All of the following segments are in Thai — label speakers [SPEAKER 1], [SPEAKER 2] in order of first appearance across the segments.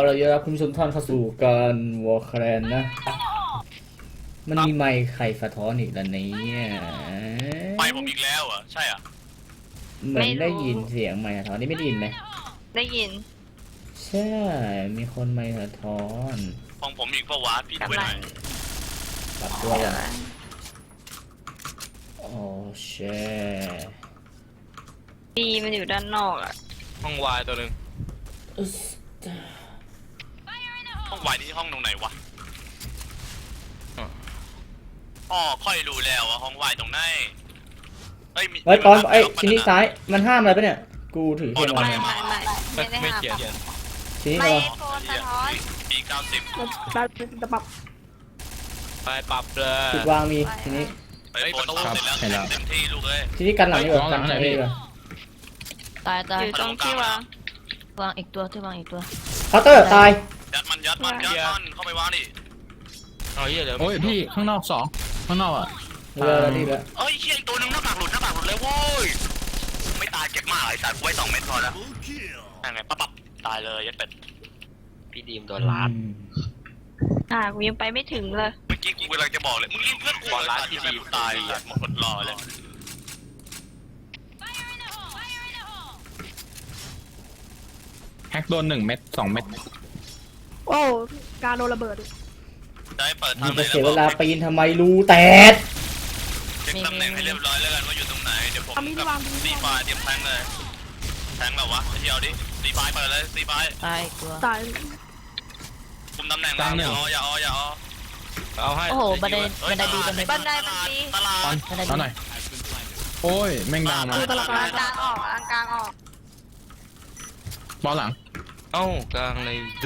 [SPEAKER 1] เราจะรับคุณผู้ชมท่านเข้าสู่การวอลแครนนะมันมีไมค์ใครสะท้อนอีกแล้วเนี่ย
[SPEAKER 2] ไปผมอีกแล้วเหรอใช่อ่ะ
[SPEAKER 1] เหมือนได้ยินเสียงไมค์สะท้อนนี่ไม่ได้ยินไหม
[SPEAKER 3] ได้ยิน
[SPEAKER 1] ใช่มีคนไมค์สะท้อน
[SPEAKER 2] ของผมอีกเพราะว่าพี่ดูไว้หน่อย
[SPEAKER 1] ปรับตัวก่อนโอ้เช่
[SPEAKER 3] ดีมันอยู่ด้านนอกอ่ะ
[SPEAKER 2] ห้องวายตัวหนึ่งห้องวายนี่ห้องตรงไหนวะอ๋อค่อยรู้แล้วว่าห้องวายตรงไหน
[SPEAKER 1] เฮ้ยตอนชิ้นนี้ซ้ายมันห้ามอะไรปะเนี่ยกูถือเทียนมา
[SPEAKER 3] ไม่เขียน
[SPEAKER 1] ชิ้นนี้
[SPEAKER 3] ไม่
[SPEAKER 1] เหรอ
[SPEAKER 3] โฟนสะท้อน
[SPEAKER 2] ปี90
[SPEAKER 4] จะปรับ
[SPEAKER 2] ไปปรับเลย
[SPEAKER 1] จุดวางมีชิ้นนี้
[SPEAKER 2] ไปโฟนเสร็จแล้วเต็มที่ลูกเลย
[SPEAKER 1] ชิ้นนี้กันหลังดีกว่ากันหลังดีกว่า
[SPEAKER 5] ตาย
[SPEAKER 3] อยู่ตรงที่วาง
[SPEAKER 5] วางอีกตัวที่วางอีกตัว
[SPEAKER 1] เคาน์เตอร์ตาย
[SPEAKER 2] ยัดมันเข้าไปวางดิเอาเหี้ยเดี๋ยว
[SPEAKER 6] โอ้ยพี่ข้างนอกสองข้างนอกอ่ะ
[SPEAKER 1] เรือดีแล้ว
[SPEAKER 2] เอ้ยเชี่ยอีกตัวหนึงหน้าปากหลุดเลยโว้ยไม่ตายเจ็บมากไอ้สัตว์ไว้2 เม็ดพอแล้วยังไงปั๊บตายเลยยัดเป็ดพี่ดีมโดนล้าน
[SPEAKER 3] กูยังไปไม่ถึงเลย
[SPEAKER 2] เมื่อกี้กูกำลังจะบอกเลยมึงรีบเลือกกูล้านพี่ดีมตายหมดรอเลย
[SPEAKER 6] แฮกโดน1 เม็ด2 เม็ด
[SPEAKER 4] โอ้การโดนระเบิด
[SPEAKER 2] ได้เปิด
[SPEAKER 1] มึ
[SPEAKER 2] ทาง งไหน
[SPEAKER 1] จะเสียเวลาปีนทำไมรูแตก
[SPEAKER 2] เช็คตำแหน่งให้เรียบร้อยแล้วกันว่าอยู่ตรงไหนเดี๋ยวผมกับซีไฟเตรียมแทงเลยแทงแบบวะไอ้เที่ยวดิซีไฟเปิดเลยซีไฟ
[SPEAKER 5] ตายอีกตัว
[SPEAKER 4] ตาย
[SPEAKER 2] คุมตำแหน่งแล้วอย่าเอาให้
[SPEAKER 5] โอ้โหบันไดดีบันได
[SPEAKER 3] บันไดมันดี
[SPEAKER 2] ตลาด
[SPEAKER 6] เอาหน่อยโอ้ยแม่งดาวมา
[SPEAKER 4] ตลาด
[SPEAKER 3] กลางออกกลางออก
[SPEAKER 6] บอลหลัง
[SPEAKER 2] เอ้ากลางเลยดู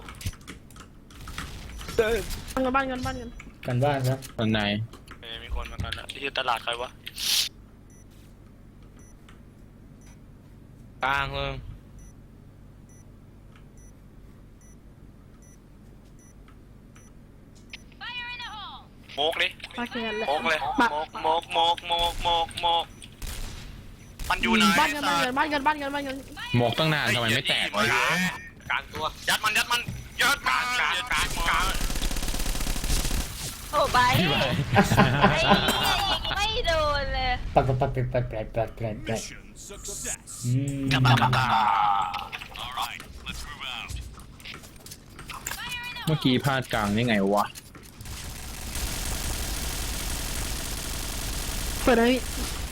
[SPEAKER 4] บ้านเงิน
[SPEAKER 1] กันบ้านซะ
[SPEAKER 6] ตอนไหน
[SPEAKER 2] มีคนมากันแล้วที่ตลาดใครวะกลางเลยโมกดิ
[SPEAKER 4] ปาแกนเลย
[SPEAKER 2] โมกเลยโมกมันอยู่ไหน
[SPEAKER 4] บ้านเงิน
[SPEAKER 6] หมกตั้งนานทำไมไม่แตกวะ
[SPEAKER 2] กลางตัวยัดมันกลาง
[SPEAKER 3] โอ้ไป
[SPEAKER 6] พี่ไป
[SPEAKER 3] ไม่โดนเลย
[SPEAKER 1] ปัด
[SPEAKER 2] กลับมา
[SPEAKER 6] เมื่อกี้พลาดกลางนี่ไงวะ
[SPEAKER 4] เปิดเลย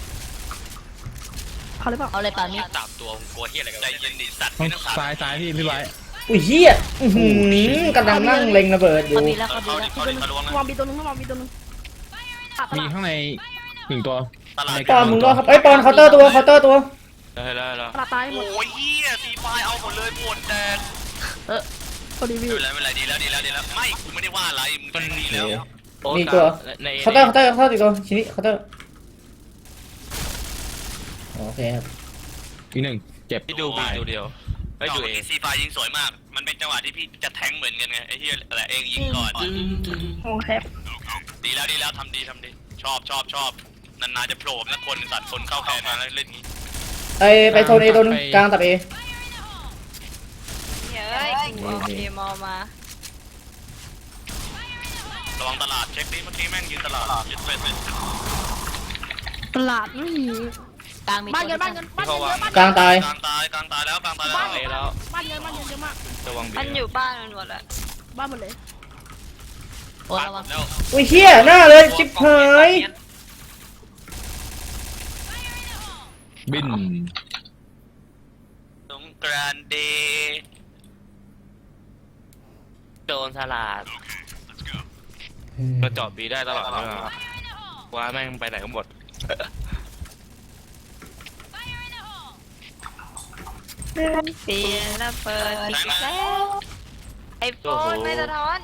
[SPEAKER 4] เขาเลยเปล่า
[SPEAKER 5] เอาเลยป่านี้
[SPEAKER 2] ตามตัวกลัวเฮียอะไรกันใจเย็นดิสัตว์
[SPEAKER 6] ต้อง
[SPEAKER 2] ไม่ต้อง
[SPEAKER 6] ซ้ายพี่ไว้
[SPEAKER 1] อุ้ยเฮียกำลังนั่งเล็งระเบิดอยู่
[SPEAKER 5] เขาดีแล้วเขาดี
[SPEAKER 2] เขา
[SPEAKER 5] แล้ว
[SPEAKER 2] ดิเขาลวงนะ
[SPEAKER 4] วางบีตัวนึงวางบีตัวนึง
[SPEAKER 6] มีข้างใน1 ตัว
[SPEAKER 2] ตลาด
[SPEAKER 1] ปอนมึงรอครับปอนเคาน์เตอร์ตัว
[SPEAKER 2] ได้แล้ว
[SPEAKER 4] ตลาดตายหมด
[SPEAKER 2] โอ้ยเฮียซีไฟเอาหมดเลยหมดแดด
[SPEAKER 4] พอดีวิว
[SPEAKER 2] ไม่เป็นไรดีแล้วไม่กูไม่ได้ว่าอะไรมึงมันดีแล้ว
[SPEAKER 1] มีตัวเคาน์เตอร์อีกตัวชิ้นนี้เคาน์เตอร์โอเคครับ
[SPEAKER 6] อีก 1เจ็บ
[SPEAKER 2] พี่ดูเดียวไม่อยู่เองซีไฟยิงสวยมากมันเป็นจังหวะที่พี่จะแทงเหมือนกันไงไอ้เฮียแต่เองยิงก่อน
[SPEAKER 4] โอ้แฮป
[SPEAKER 2] ดีแล้วทำดีชอบนานๆจะโผล่นะคนสัตว์คนเข้าแขนมาแล้วเล่นงี้
[SPEAKER 1] ไปโซนเอตัวนึงกลางตับเอ
[SPEAKER 3] เฮ้ยกูเอาเกมอมา
[SPEAKER 2] ระวังตลาดเช็คดิเมื่อกี้แม่งยืนตลาดยึดเป็น
[SPEAKER 4] ตลาดไม่มี
[SPEAKER 5] กลางมี
[SPEAKER 4] บ้าน
[SPEAKER 5] ตัว
[SPEAKER 4] เงินเยอะบ้าน
[SPEAKER 1] กลางตาย
[SPEAKER 2] กลางตายแล้ว
[SPEAKER 4] บ้านเงินเยอะมาก
[SPEAKER 2] ระวัง
[SPEAKER 3] มันอยู่บ้านมันหมดแล้ว
[SPEAKER 4] บ้านหมดเลย
[SPEAKER 5] โอ้ระวัง
[SPEAKER 2] แล้ว
[SPEAKER 1] อุ้ยเฮียหน้าเลยชิบหาย
[SPEAKER 6] บิน
[SPEAKER 2] สงกรานต์เดย์โดนสลัดก็จอดบีได้ตลอดเลยว่าแม่งไปไหนก็หมด
[SPEAKER 3] เปลี่ยนแล้วเปิดอีกแล้วไอโฟนไม่สะท้อน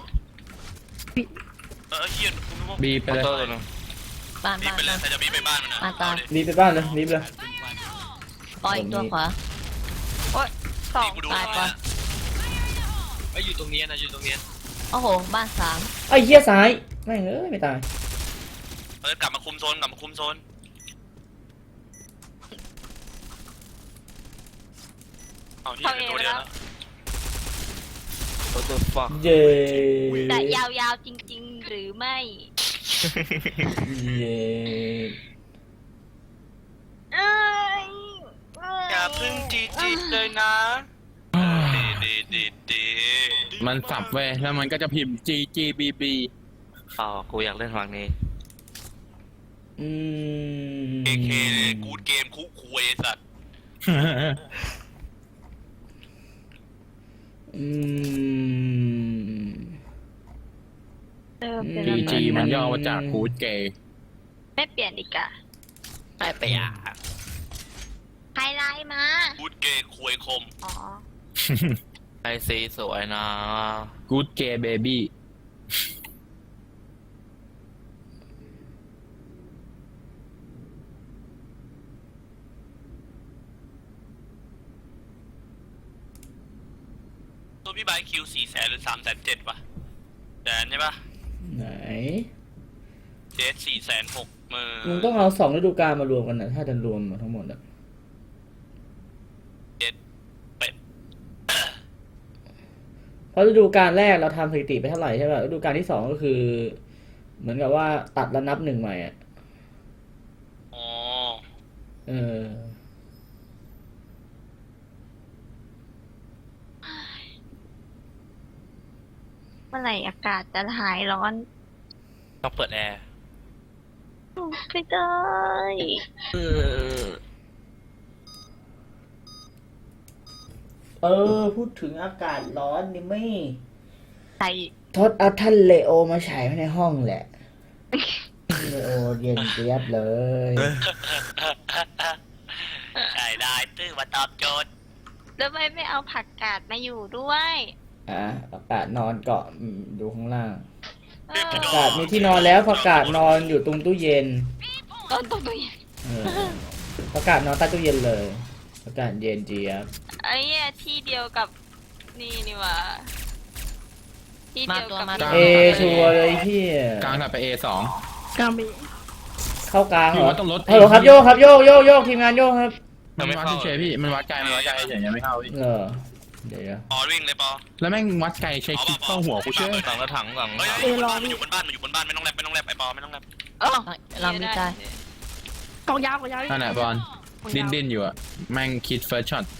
[SPEAKER 2] เฮีย
[SPEAKER 6] บีไปเลย
[SPEAKER 5] บ้าน
[SPEAKER 2] บีไปเลยใครจะบีไปบ้านมันนะ
[SPEAKER 1] รีบไปบ้านเลยรีบเลย
[SPEAKER 5] ปล่อยอีกตัวขวา
[SPEAKER 3] สอง
[SPEAKER 2] กูดู
[SPEAKER 5] ตายปะ
[SPEAKER 2] ไอ้อยู่ตรงนี้นะอยู่ตรงนี้
[SPEAKER 5] โอ้โหบ้าน3
[SPEAKER 1] ไอ้เฮียซ้ายไม่ไม่ตาย
[SPEAKER 2] กลับมาคุมโซนเอาที่เป็นตัวเดียวนะ What the fuck
[SPEAKER 1] เย้
[SPEAKER 3] แต่ยาวๆจริงๆ หรือไม่
[SPEAKER 1] เย้
[SPEAKER 3] เอ้ย
[SPEAKER 2] อย่าเพึ่งจีจีเลยนะดี
[SPEAKER 6] มันสับเว้ยแล้วมันก็จะพิมพ์ G G B B
[SPEAKER 2] อ๋อกูอยากเล่นฝั่งนี้
[SPEAKER 1] อืม
[SPEAKER 2] AK กูดเกมคุกคุยสัตว์
[SPEAKER 1] อืม
[SPEAKER 3] เป็น
[SPEAKER 6] G
[SPEAKER 3] อะไร
[SPEAKER 6] G มันย่อมาจากกูดเกย์
[SPEAKER 3] ไม่เปลี่ยนดีกว่า
[SPEAKER 2] ไม่ไปอ่ะ
[SPEAKER 3] ไฮไลท์มา
[SPEAKER 2] กูดเกมคุยคม
[SPEAKER 3] อ๋อ
[SPEAKER 2] ไอซีสวยนะ
[SPEAKER 6] กูดเกย์เบบี้
[SPEAKER 2] ตัวพี่ไบค์คิว400,000 หรือ370,000 ป่ะแสนใช่ป่ะ
[SPEAKER 1] ไหน
[SPEAKER 2] เจส460,000
[SPEAKER 1] มึงต้องเอา2ฤดูกาลมารวมกันนะถ้าจะรวมทั้งหมดอะ
[SPEAKER 2] เจ็ดเป็ด
[SPEAKER 1] เพราะฤดูกาลแรกเราทำสถิติไปเท่าไหร่ใช่ป่ะฤดูกาลที่2ก็คือ เหมือนกับว่าตัดแล้วนับ1ใหม่อ่ะ
[SPEAKER 2] อ๋อ
[SPEAKER 1] เออ
[SPEAKER 3] เมื่อไหร่อากาศจะหายร้อน
[SPEAKER 2] ต้องเปิดแอร์
[SPEAKER 3] ไม่ได้
[SPEAKER 1] พูดถึงอากาศร้อนนี่ไม่
[SPEAKER 3] ใส่
[SPEAKER 1] ทดเอาท่านเลโอมาฉายไว้ในห้องแหละ เลโอเย็นเจี๊ยบเลย
[SPEAKER 2] ใช่ได้ตื้อมาตอบโจทย์
[SPEAKER 3] แล้วทำไมไม่เอาผักกาดมาอยู่ด้วย
[SPEAKER 1] อากาศนอนเกาะดูข้างล่าง
[SPEAKER 3] เออ
[SPEAKER 1] อากาศมีที่นอนแล้วประกาศนอนอยู่ตรงตู้เย็น
[SPEAKER 3] ต้นตัวเย็น
[SPEAKER 1] ประกาศนอนใต้ตู้เย็นเลยประกาศเย็นเจี๊ยบ
[SPEAKER 3] ไอ้เนี่ยที่เดียวกับนี่หว่าที่เดียวกับ
[SPEAKER 5] มาตัว
[SPEAKER 1] เอชัวร์เลยพี่
[SPEAKER 6] กลางถัดไป A 2
[SPEAKER 4] กลางบี
[SPEAKER 1] เข้ากลางเหร
[SPEAKER 6] อยู่
[SPEAKER 1] อ
[SPEAKER 6] ว่าต้องลด
[SPEAKER 1] ฮัลโหลครับโยกครับโยกทีมงานโยกครับ
[SPEAKER 6] มันวัดเฉยๆพี่มันวัดไกลเฉยๆยังไม่เข้าพี่
[SPEAKER 1] เดี๋ยว
[SPEAKER 2] ปอวิ่งเลยปอ
[SPEAKER 6] แล้วแม่งวัดไกลใช้คลิปเข้าหัวกูเชื่อ
[SPEAKER 2] ถังแล้วถังหลังมันอยู่บนบ้านมันอยู่บนบ้านไม่ต้องแลบไอปอไม่ต้องแลบ
[SPEAKER 3] เออ
[SPEAKER 5] เรามีใจ
[SPEAKER 4] กองยาว
[SPEAKER 6] นั่นแหละบอลดิ้นอยู่อะแม่งคิดเฟิร์สช็อต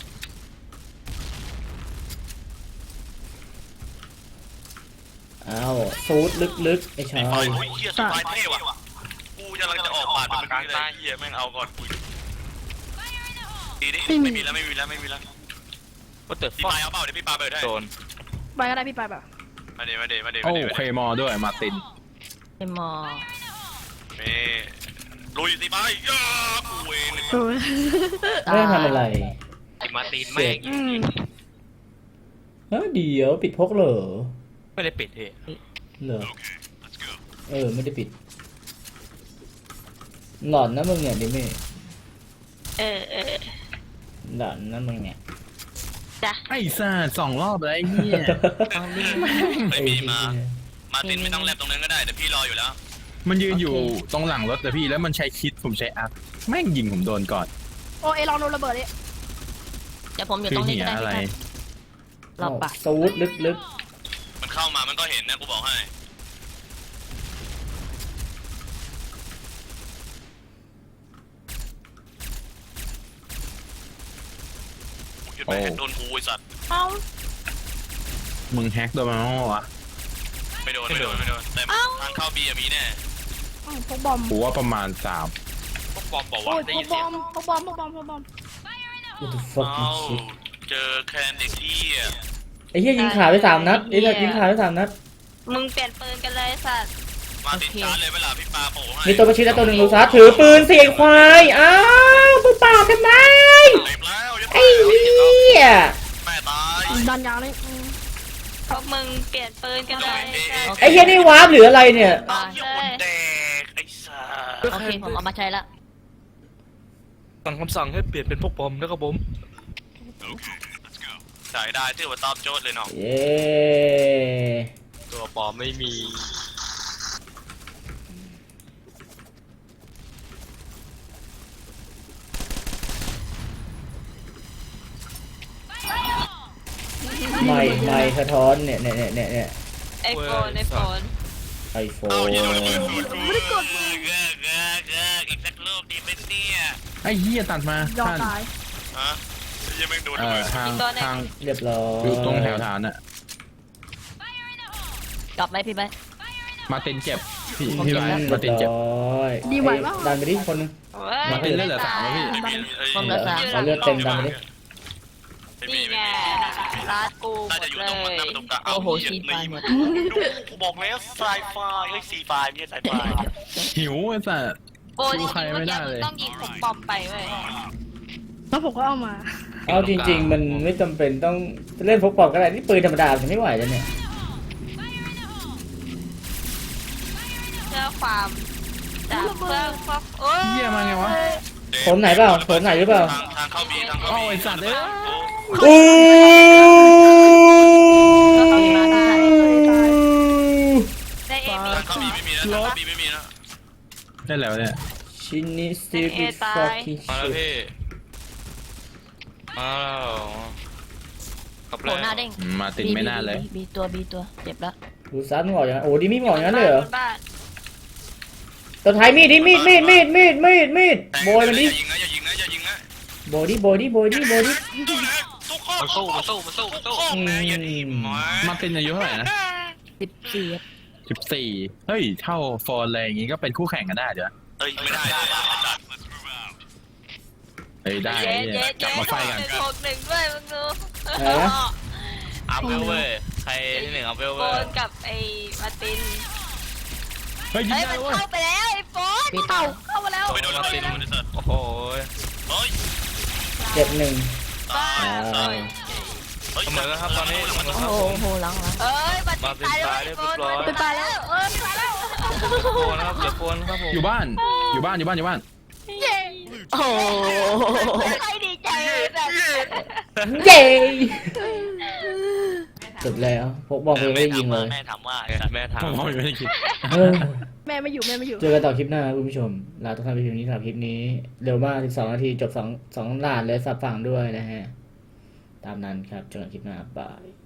[SPEAKER 1] อ้าวซูดลึกๆไอ้ชา
[SPEAKER 2] ไอ้
[SPEAKER 1] ย
[SPEAKER 2] ไอ้เหี้ยสบายเท่ว่ะกูกำลังจะออกปาดเป็นกลางตาเหี้ยแม่งเอาก่อนกูดีดิไม่มีแล้วว่าแต่พี่ปาเอาเปล่าเดี๋ยวพี่ปาเปิดให้โดน
[SPEAKER 4] ไปก็ได้พี่ไปแบบ
[SPEAKER 2] มาเด
[SPEAKER 6] โอ้เคมอด้วยมาติน
[SPEAKER 5] เอ็มมอ
[SPEAKER 2] นี่ลุยสิไปย่ากูเอง
[SPEAKER 4] เออ
[SPEAKER 1] ไม่ได้ทำอะไร
[SPEAKER 2] ไอ้มาตีนแม่ง
[SPEAKER 4] อืม
[SPEAKER 1] เฮ้ยเดี๋ยวปิดพกเหรอ
[SPEAKER 2] ไม่ได้ปิดเฮ้ย
[SPEAKER 1] เหรอไม่ได้ปิด หลอนนะมึงเนี่ยดิเม่
[SPEAKER 3] เออ
[SPEAKER 1] หลอนนะมึงเนี่ย
[SPEAKER 3] จ้ะ
[SPEAKER 6] ไอ้ซ่า2 รอบแล้วไอ้เหี้ย
[SPEAKER 2] ไม่มีมาตินไม่ต้องแลบตรงนั้นก็ได้เดี๋ยวพี่รออยู่แล้ว
[SPEAKER 6] มันยืนอยู่ตรงหลังรถแต่พี่แล้วมันใช้คิดผมใช้อัพแม่งยิงผมโดนก่อน
[SPEAKER 4] โอเอลองโดนระเบิดดิ
[SPEAKER 5] เดี๋ยวผมอยู่
[SPEAKER 6] คื
[SPEAKER 5] ตร
[SPEAKER 6] อง
[SPEAKER 5] นี้
[SPEAKER 6] เหี้ย
[SPEAKER 5] ก็ได้
[SPEAKER 6] อะไร
[SPEAKER 5] เราปะ
[SPEAKER 1] ซูดลึก
[SPEAKER 2] มันเข้ามามันก็เห็นนะกูบอกให้หยุดไปโดนกูไอ้สัตว์
[SPEAKER 3] เอ้า
[SPEAKER 6] มึงแฮกโดนมาเมื่อวะ
[SPEAKER 2] ไม่โดนแต่ทางเข้าบีมีแน่
[SPEAKER 4] พวกบอม
[SPEAKER 6] กูว่าประมาณ
[SPEAKER 2] พวกบอมบอก
[SPEAKER 4] โอ้
[SPEAKER 2] ว่าย ได้
[SPEAKER 4] พว
[SPEAKER 2] ยิ
[SPEAKER 4] ก
[SPEAKER 2] น
[SPEAKER 4] บ
[SPEAKER 2] เสีย
[SPEAKER 4] อง มพวกบอม
[SPEAKER 1] ๆ What the fucking shit
[SPEAKER 2] เจอแคนเด็กที่
[SPEAKER 1] ไอ้เหี้ยยิงขาไป3 นัดไอ้เหี้ยยิงขาไป3 นัด
[SPEAKER 3] มึงเปลี่ยนปืนกันเลยสัตว์
[SPEAKER 2] มาติดชาร์จเลยเวลาพี่ปาโป้ให้
[SPEAKER 1] มีตัวประชิดและตัวหนึ่งลูซัสถือปืนเสียงควายอ้าวมึงปาดทำไม
[SPEAKER 2] เต็มแล้ว
[SPEAKER 1] ไอ้เหี้ย
[SPEAKER 2] แม่ตาย
[SPEAKER 4] ดันยาวนี่
[SPEAKER 3] พวกมึงเปลี่ยนปืนกันเลยสัตว์
[SPEAKER 1] ไอ้เหี้ยนี่วาร์ปหรืออะไรเนี่ย
[SPEAKER 2] เอาเหี้ยคนแดกไอ้สัส
[SPEAKER 5] โอเคผมเอามาใช้ละ
[SPEAKER 2] สั่งคำสั่งให้เปลี่ยนเป็นพวกบอมนะครับผมใส่ได้ที่ว่าตอบโจทย์เลยเนาะ
[SPEAKER 1] เย้
[SPEAKER 2] ตัวปลอมไม่มี
[SPEAKER 1] ไม่ไม่สะท้อนเนี่ย
[SPEAKER 3] ไอโฟน
[SPEAKER 1] ไอโฟ
[SPEAKER 2] เอา
[SPEAKER 1] น
[SPEAKER 2] เหี้ยโดนระเบิดไม่ได้กดอีกสักลูกดีเป็นเนี่ย
[SPEAKER 6] ไอ้เหี้ยตัดมาย
[SPEAKER 4] อม
[SPEAKER 6] ท่าน
[SPEAKER 4] ตาย
[SPEAKER 2] ฮะยังแม่งโดนระเบิด
[SPEAKER 6] ทาง
[SPEAKER 1] เรียบร้อย
[SPEAKER 6] อยู่ตรงแถวฐานอะ
[SPEAKER 5] กลับไหมพี่ไป
[SPEAKER 6] มาเต็นเจ็บพี่
[SPEAKER 5] ผม
[SPEAKER 6] พี่
[SPEAKER 5] เก็บ
[SPEAKER 6] ไว้
[SPEAKER 5] แล้ว
[SPEAKER 6] มาเต็นเจ็บ
[SPEAKER 4] ดีไหวปะ
[SPEAKER 1] ดันไปดิคนนึง
[SPEAKER 6] มาเต็นเลือดเหลือ3แล้วพี่
[SPEAKER 2] ไม่มี
[SPEAKER 5] ผมเหลือสาม
[SPEAKER 1] เอาเลือดเต็มดันไปดิ
[SPEAKER 3] นี่ไงร้านกูหม
[SPEAKER 2] น่า
[SPEAKER 3] ด
[SPEAKER 2] จะอยู่
[SPEAKER 3] เล
[SPEAKER 2] ตรงมัน
[SPEAKER 3] ย
[SPEAKER 2] น่าจะตรงกลาง
[SPEAKER 5] โอ้โหชีตายหมด
[SPEAKER 2] ดูบอกแล้วไซไฟเฮ้ยซีไฟไม่ใช่ไซไฟ
[SPEAKER 6] หิวไอ้สัส
[SPEAKER 3] โบจริงๆเมื่อกี้มึงต้องยิงผมบอมไปเว้ย
[SPEAKER 4] แล้วผมก็เอามา
[SPEAKER 1] เอาจริง ๆ มันไม่จำเป็นต้องเล่นพกปอกก็ได้นี่ปืนธรรมดาผมไม่ไหวแล้วเนี่ย
[SPEAKER 3] เพื่อความจากเพื่อพวกโอ้ย
[SPEAKER 6] เหี้ยมาไงวะ
[SPEAKER 1] ผมไหนเปล่าผมไหนหรือเปล่า
[SPEAKER 2] ทางเข้าบีทางเข้า
[SPEAKER 6] โอ้
[SPEAKER 2] บี
[SPEAKER 6] ยสัตว์เอ้ย
[SPEAKER 1] อู้
[SPEAKER 3] ได้เอมี
[SPEAKER 2] ทางเข้าบีไม่มีนะทางเข้าบีไม่มีนะ
[SPEAKER 6] ได้แล้วเนี่ย
[SPEAKER 1] ชินิซิบิฟอคิ
[SPEAKER 2] มาแล้วพี่มาแล้ว
[SPEAKER 5] โผล่หน้าเด้ง
[SPEAKER 6] มาเต็นไม่น่าเลย
[SPEAKER 5] บีตัวเจ็บแล้ว
[SPEAKER 1] ดูซัดมึงออกอย่างนั้นโอ้ดิมีมึงออกอย่างนั้นเลยเหรอ
[SPEAKER 3] บ้าน
[SPEAKER 1] ตัวท้ายมีดดิมีดโบยมันดิ
[SPEAKER 2] อย่ายิงนะอย่ายิงนะอย่ายิงนะ
[SPEAKER 1] โบยดิ
[SPEAKER 2] ทุกข้อมันสู้แม่อย่าดีมา
[SPEAKER 6] มาเต็นอายุเท่าไหร่นะ
[SPEAKER 5] 14
[SPEAKER 6] 14เฮ้ยเท่าฟอร์อะไรอย่างงี้ก็เป็นคู่แข่งกันได้เดี๋ยว
[SPEAKER 2] เฮ้ยไม่ได้
[SPEAKER 6] เฮ้ยได้
[SPEAKER 3] เย้เย้
[SPEAKER 6] กลับมาไฟกัน
[SPEAKER 3] 161ด้วยมึงดู
[SPEAKER 2] อัพเวลเว้ยใครที่หนึ่งอัพเวล
[SPEAKER 3] โฟ
[SPEAKER 2] เว้ย
[SPEAKER 3] นกับไอ้มาติน
[SPEAKER 6] เฮ้ยยิง
[SPEAKER 3] เฮ้ย
[SPEAKER 6] ได้
[SPEAKER 3] มัน
[SPEAKER 6] เว้ย
[SPEAKER 3] เข้าไปแล้วไอ้โฟน
[SPEAKER 5] บีตัว
[SPEAKER 3] เข้ามาแล้ว
[SPEAKER 2] ไปโดนมาตินโอ้โหเฮ้ย
[SPEAKER 1] เจ็บหนึ่ง
[SPEAKER 3] บ้า
[SPEAKER 2] เสมอครับตอนนี้
[SPEAKER 5] โอ้โหหลัง
[SPEAKER 3] เอ้ยมาตินตายแล้วไอ้โฟนมันตายแล้วตายแล้ว
[SPEAKER 2] โฟนครับเดี๋ยวโฟนครับผม
[SPEAKER 6] อยู่บ้าน
[SPEAKER 3] เย้
[SPEAKER 5] โอ้โห
[SPEAKER 3] ใครดีใจเลยแบบ
[SPEAKER 1] เย้จบแล้วพกบอกเลยไม่ได้ยิงเลย
[SPEAKER 2] แม่ถามว่าแม่ถาม
[SPEAKER 6] ผมก็ไม่ได้คิด
[SPEAKER 1] เออ
[SPEAKER 4] แม่ไม่อยู่
[SPEAKER 1] เจอกันต่อคลิปหน้าคุณผู้ชมลาทุกท่านไปเพียงนี้สำหรับคลิปนี้เร็วมาก12 นาทีจบ2 ด่านเลยสับฝั่งด้วยนะฮะตามนั้นครับเจอกันคลิปหน้าบาย